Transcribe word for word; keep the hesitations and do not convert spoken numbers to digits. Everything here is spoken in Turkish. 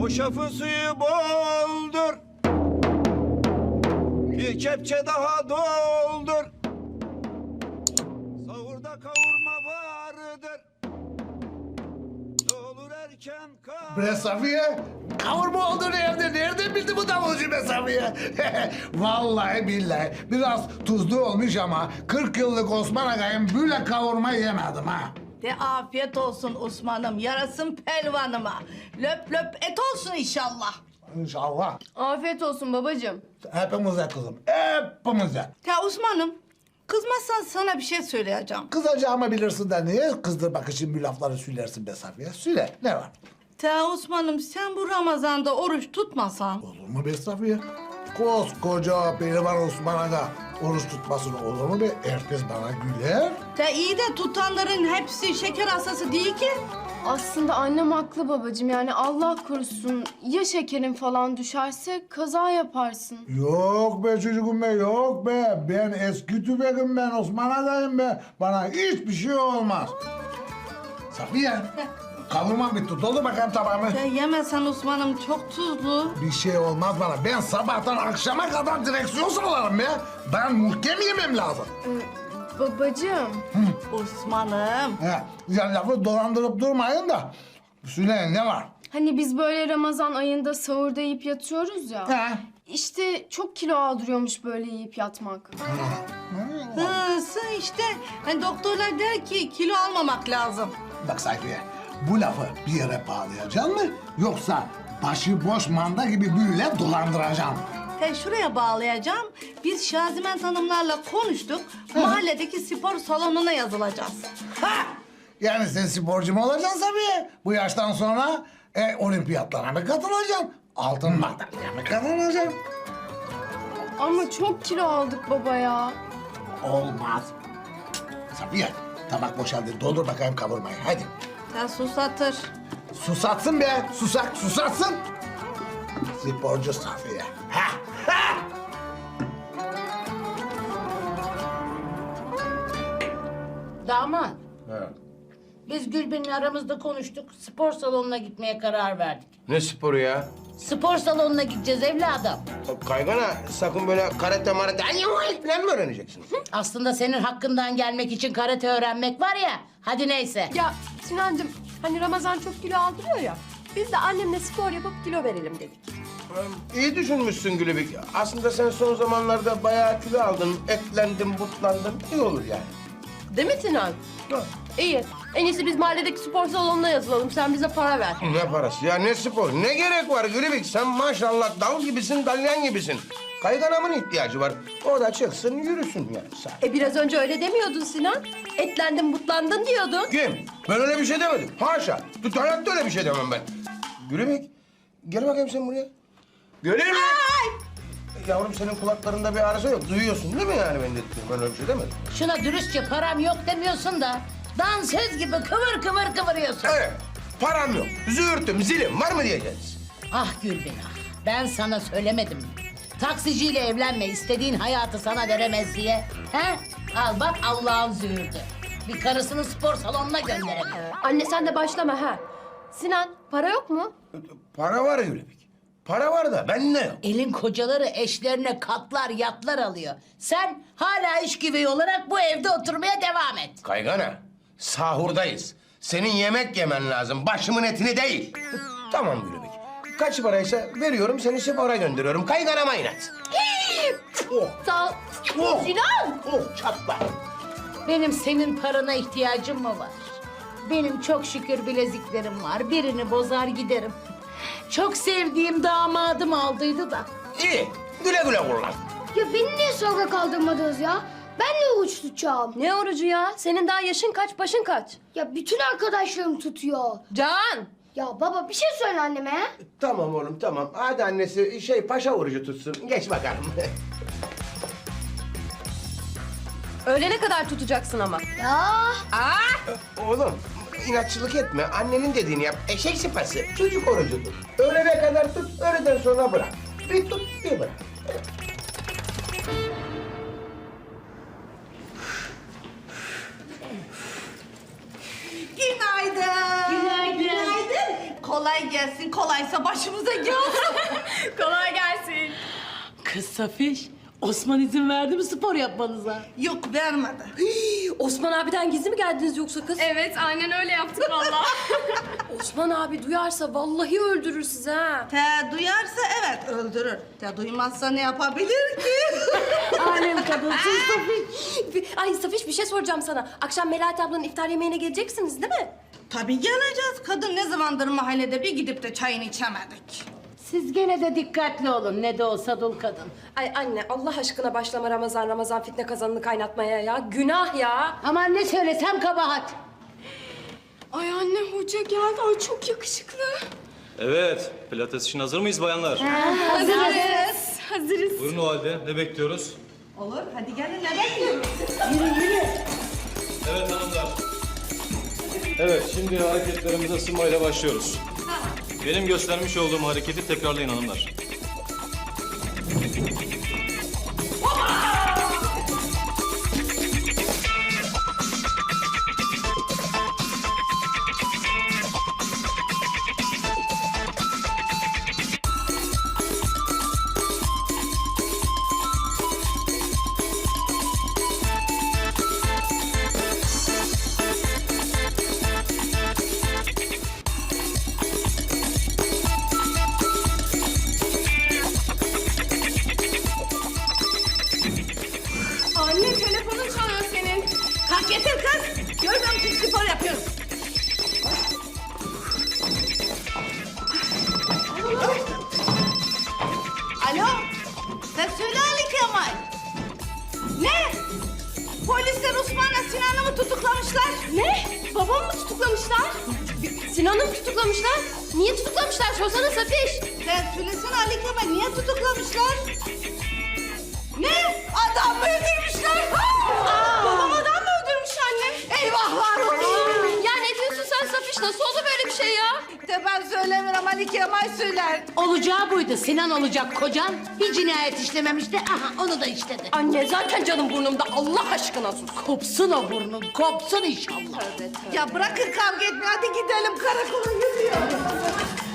Hoşafın suyu boldur. Bir kepçe daha doldur. Sahurda kavurma vardır. Olur erken kal. Bre Safiye, kavurma olduğunu evde nereden bildi bu davulcu be Safiye? Vallahi billahi biraz tuzlu olmuş ama kırk yıllık Osman Aga'yım böyle kavurma yemedim ha. De afiyet olsun Osman'ım, yarasın pelvanıma. Löp löp et olsun inşallah. İnşallah. Afiyet olsun babacığım. Hepimize kızım, hepimize. Ya Osman'ım, kızmazsan sana bir şey söyleyeceğim. Kızacağımı bilirsin de niye kızdırmak için bu lafları söylersin be Safiye? Söyle, ne var? Ta Osman'ım, sen bu Ramazan'da oruç tutmasan... Olur mu be Safiye? Koskoca pehlivan Osman Aga oruç tutmasın olur mu be? Herkes bana güler. Ta iyi de tutanların hepsi şeker hastası değil ki. Aslında annem haklı babacığım. Yani Allah korusun ya şekerin falan düşerse kaza yaparsın. Yok be çocuğum be, yok be. Ben eski tüfeğim ben, Osman Aga'yım be. Bana hiçbir şey olmaz. Safiye, kavurmam bitti. Doldur bakayım tabağımı. Ya yemesen Osman'ım, çok tuzlu. Bir şey olmaz bana. Ben sabahtan akşama kadar direksiyon sallarım be. Ben muhkem yemem lazım. Ee, babacığım. Osman'ım. He, ya lafı dolandırıp durmayın da. Söyleyin ne var? Hani biz böyle Ramazan ayında sahurda yiyip yatıyoruz ya. He. İşte çok kilo aldırıyormuş böyle yiyip yatmak. Hı, sı işte. Hani doktorlar der ki kilo almamak lazım. Bak Safiye, bu lafı bir yere bağlayacaksın mı? Yoksa başıboş manda gibi böyle dolandıracaksın mı? Ben şuraya bağlayacağım. Biz Şaziment Hanımlarla konuştuk. Mahalledeki spor salonuna yazılacağız. Ha! Yani sen sporcu mu olacaksın Safiye? Bu yaştan sonra e, olimpiyatlara mı katılacaksın? Altın madalya mı kazanacaksın? Ama çok kilo aldık baba ya. Olmaz. Safiye, tabak boşaldı. Doldur bakayım kavurmayı. Hadi. Ya susatır. Susatsın be. Susak, susatsın. Sporcu Safiye. Ha! Ha! Damat, Ha. biz Gülben'le aramızda konuştuk. Spor salonuna gitmeye karar verdik. Ne sporu ya? Spor salonuna gideceğiz evladım. Kaygana sakın böyle karate marate ay falan mı öğreneceksin? Aslında senin hakkından gelmek için karate öğrenmek var ya. Hadi neyse. Ya Sinancığım hani Ramazan çok kilo aldırıyor ya. Biz de annemle spor yapıp kilo verelim dedik. İyi düşünmüşsün Gülübük. Aslında sen son zamanlarda bayağı kilo aldın, etlendin, butlandın. İyi olur yani. Değil mi Sinan? Ha. İyi. En iyisi biz mahalledeki spor salonuna yazılalım. Sen bize para ver. Ne parası ya, ne spor? Ne gerek var Gülübük? Sen maşallah dal gibisin, dalyan gibisin. Kayganamın ihtiyacı var. O da çıksın, yürüsün yani. Sen. E biraz önce öyle demiyordun Sinan. Etlendin, butlandın diyordun. Kim? Ben öyle bir şey demedim. Haşa. Tut, hayatta öyle bir şey demem ben. Gülübük, gel bakayım sen buraya. Gülübük! Yavrum senin kulaklarında bir arıza yok. Duyuyorsun değil mi yani ben dediğim? Ben öyle bir şey demedim. Şuna dürüstçe param yok demiyorsun da... ...dansöz gibi kıvır kıvır kıvırıyorsun. Evet, param yok. Züğürtüm, zilim var mı diyeceğiz? Ah Gülben ah. Ben sana söylemedim mi? Taksiciyle evlenme, istediğin hayatı sana veremez diye. He? Al bak Allah'ın züğürdü. Bir karısını spor salonuna gönderemiyor. Anne sen de başlama ha. Sinan para yok mu? Para var Gülübük. Para var da ben ne yok? Elin kocaları eşlerine katlar, yatlar alıyor. Sen hala iş güveyi olarak bu evde oturmaya devam et. Kaygana, sahurdayız. Senin yemek yemen lazım, başımın etini değil. Tamam Gülübük. Kaç paraysa veriyorum, seni spora gönderiyorum. Kayganama inat. Oh, Sağ ol. oh, Sinan! oh, çatla. Benim senin parana ihtiyacım mı var? Benim çok şükür bileziklerim var. Birini bozar giderim. Çok sevdiğim damadım aldıydı da. İyi, güle güle kullan. Ya beni niye sonra kaldırmadınız ya? Ben de oruç tutacağım. Ne orucu ya? Senin daha yaşın kaç, başın kaç? Ya bütün arkadaşlarım tutuyor. Can! Ya baba bir şey söyle anneme. Tamam oğlum, tamam. Hadi annesi şey paşa orucu tutsun. Geç bakalım. Öğlene kadar tutacaksın ama. Ya Oğlum, inatçılık etme. Annenin dediğini yap. Eşek sıpası. Çocuk orucudur. Öğlene kadar tut, öğleden sonra bırak. Bir tut, bir bırak. Günaydın. Günaydın. Günaydın. Kolay gelsin, kolaysa başımıza gelsin. Kolay gelsin. Kız Safiş, Osman izin verdi mi spor yapmanıza? Yok vermedi. Osman abiden gizli mi geldiniz yoksa kız? Evet, aynen öyle yaptık vallahi. Osman abi duyarsa vallahi öldürür sizi ha. Te duyarsa evet öldürür. Te duymazsa ne yapabilir ki? Alem kadınsın Safiş. Ay Safiş bir şey soracağım sana. Akşam Melahat ablanın iftar yemeğine geleceksiniz değil mi? Tabii geleceğiz. Kadın ne zamandır mahallede bir gidip de çayını içemedik. Siz gene de dikkatli olun, ne de olsa dul kadın. Ay anne Allah aşkına başlama Ramazan Ramazan fitne kazanını kaynatmaya ya. Günah ya. Aman ne söylesem kabahat. Ay anne hoca geldi. Ay çok yakışıklı. Evet, pilates için hazır mıyız bayanlar? Hazırız. Hazırız. Buyurun o halde, ne bekliyoruz? Olur, hadi gelin ne bekliyoruz? Evet hanımlar. Evet, şimdi hareketlerimize ısınmayla başlıyoruz. Benim göstermiş olduğum hareketi tekrarlayın hanımlar. Anne telefonun çalıyor senin. Kalk getir kız. Görmüyor musun spor yapıyoruz. Alo. Sen söyle Ali Kemal. Ne? Polisler Osman'la Sinan'ı mı tutuklamışlar? Ne? Babamı mı tutuklamışlar? Sinan'ı mı tutuklamışlar? Niye tutuklamışlar? Sorsana Safiş. Sen söylesene Ali Kemal niye tutuklamışlar? Ne? Adam mı öldürmüşler? Babam adam mı öldürmüş anne? Eyvahlar olsun. Ya ne diyorsun sen Safiş? Nasıl oldu böyle bir şey ya? De ben söylemiyorum Ali Kemal söyler. Olacağı buydu, Sinan olacak kocan. Bir cinayet işlememişti, aha onu da işledi. Anne zaten canım burnumda. Allah aşkına sus. Kopsun o burnun, kopsun inşallah. Ya bırakın kavga etmeyi hadi gidelim karakola gidiyor.